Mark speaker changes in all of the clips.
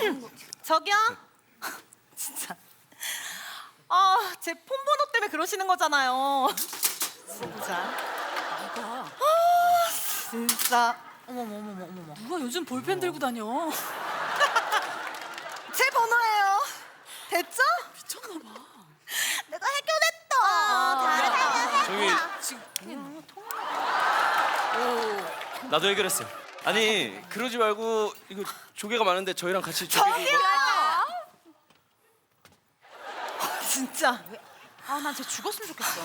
Speaker 1: 저기요? 진짜. 제 폰번호 때문에 그러시는 거잖아요. 진짜.
Speaker 2: 누가?
Speaker 1: 진짜. 어머머머머머머.
Speaker 2: 누가 요즘 볼펜 들고 다녀?
Speaker 1: 제 번호예요. 됐죠?
Speaker 2: 미쳤나 봐.
Speaker 1: 내가 해결했다.
Speaker 3: 저기 나도 해결했어요. 아니 그러지 말고 이거 조개가 많은데 저희랑 같이 조개
Speaker 1: 저기요. 진짜.
Speaker 2: 난 쟤 죽었으면 좋겠어.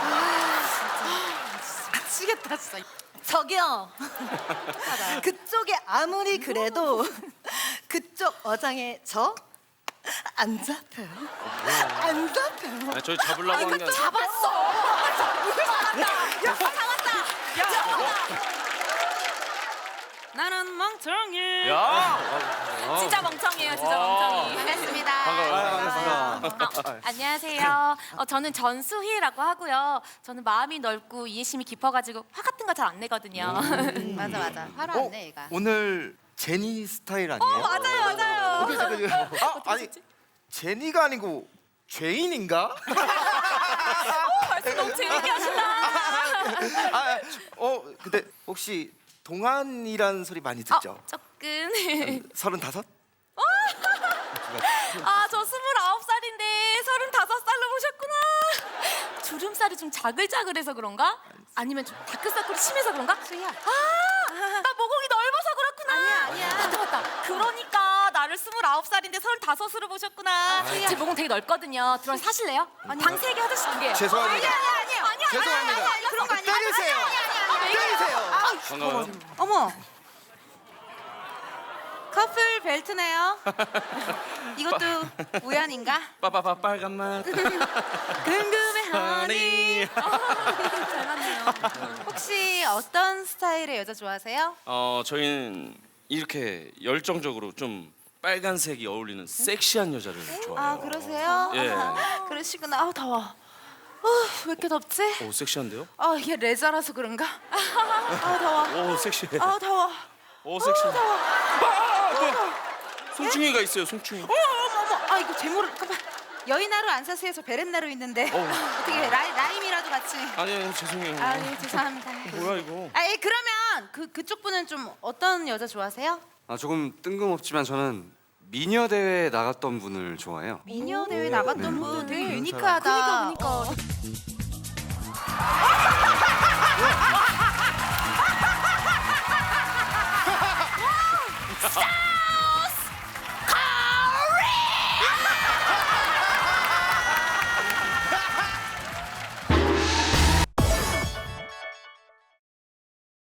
Speaker 1: 미치겠다 진짜. 저기요. 그쪽에 아무리 그래도 그쪽 어장에 저 안 잡혀요. 안 잡혀요.
Speaker 3: 아니, 저희 잡으려고 한 게 아니라
Speaker 2: 잡았어. 나는 멍청이.
Speaker 3: 야!
Speaker 2: 진짜 멍청이에요, 진짜 멍청이.
Speaker 4: 반갑습니다.
Speaker 3: 반가워요.
Speaker 2: 안녕하세요. 저는 전수희라고 하고요. 저는 마음이 넓고 이해심이 깊어가지고 화 같은 거 잘 안 내거든요.
Speaker 4: 맞아. 화를 안 내, 얘가.
Speaker 5: 오늘 제니 스타일 아니에요?
Speaker 2: 맞아요.
Speaker 5: 아니 제니가 아니고 죄인인가?
Speaker 2: 말씀 너무 재밌게 하신다.
Speaker 5: 근데 혹시 동안이란 소리 많이 듣죠?
Speaker 2: 조금.
Speaker 5: 35?
Speaker 2: 저 29살인데 35살로 보셨구나. 주름살이 좀 자글자글해서 그런가? 아니면 좀 다크서클이 심해서 그런가?
Speaker 4: 수희야.
Speaker 2: 나 모공이 넓어서 그렇구나.
Speaker 4: 아니야.
Speaker 2: 맞다. 그러니까 나를 29살인데 35으로 보셨구나. 제 모공 되게 넓거든요. 들어와서 사실래요? 방 3개 화장실 2개요.
Speaker 5: 죄송합니다.
Speaker 2: 아니야.
Speaker 5: 죄송합니다.
Speaker 2: 그런 거 아니야.
Speaker 5: 때리세요. 때리세요.
Speaker 3: 반가워요.
Speaker 4: 어머. 커플 벨트네요. 이것도 우연인가?
Speaker 3: 빠빠빠 빨간 맛.
Speaker 4: 궁금해하니.
Speaker 2: 잘 맞네요.
Speaker 4: 혹시 어떤 스타일의 여자 좋아하세요?
Speaker 3: 저희는 이렇게 열정적으로 좀 빨간색이 어울리는 섹시한 여자를 좋아해요.
Speaker 4: 그러세요?
Speaker 3: 예.
Speaker 4: 그러시구나. 더워. 왜 이렇게 덥지?
Speaker 3: 오 섹시한데요?
Speaker 4: 이게 레저라서 그런가? 더워.
Speaker 3: 오 섹시해.
Speaker 4: 더워.
Speaker 3: 오 섹시해. 뭐야? 송충이가 있어요. 송충이.
Speaker 4: 어머. 이거 제모를 잠깐만. 여의나루 안 사세요? 저 베렌나루 있는데. 어떻게 라임이라도 같이.
Speaker 3: 아니요 죄송해요.
Speaker 4: 예, 죄송합니다.
Speaker 3: 뭐야 이거?
Speaker 4: 그러면 그쪽 분은 좀 어떤 여자 좋아하세요?
Speaker 6: 조금 뜬금없지만 저는 미녀 대회 나갔던 분을 좋아해요.
Speaker 4: 미녀 대회 나갔던 분 되게 유니크하다.
Speaker 2: 그러니까.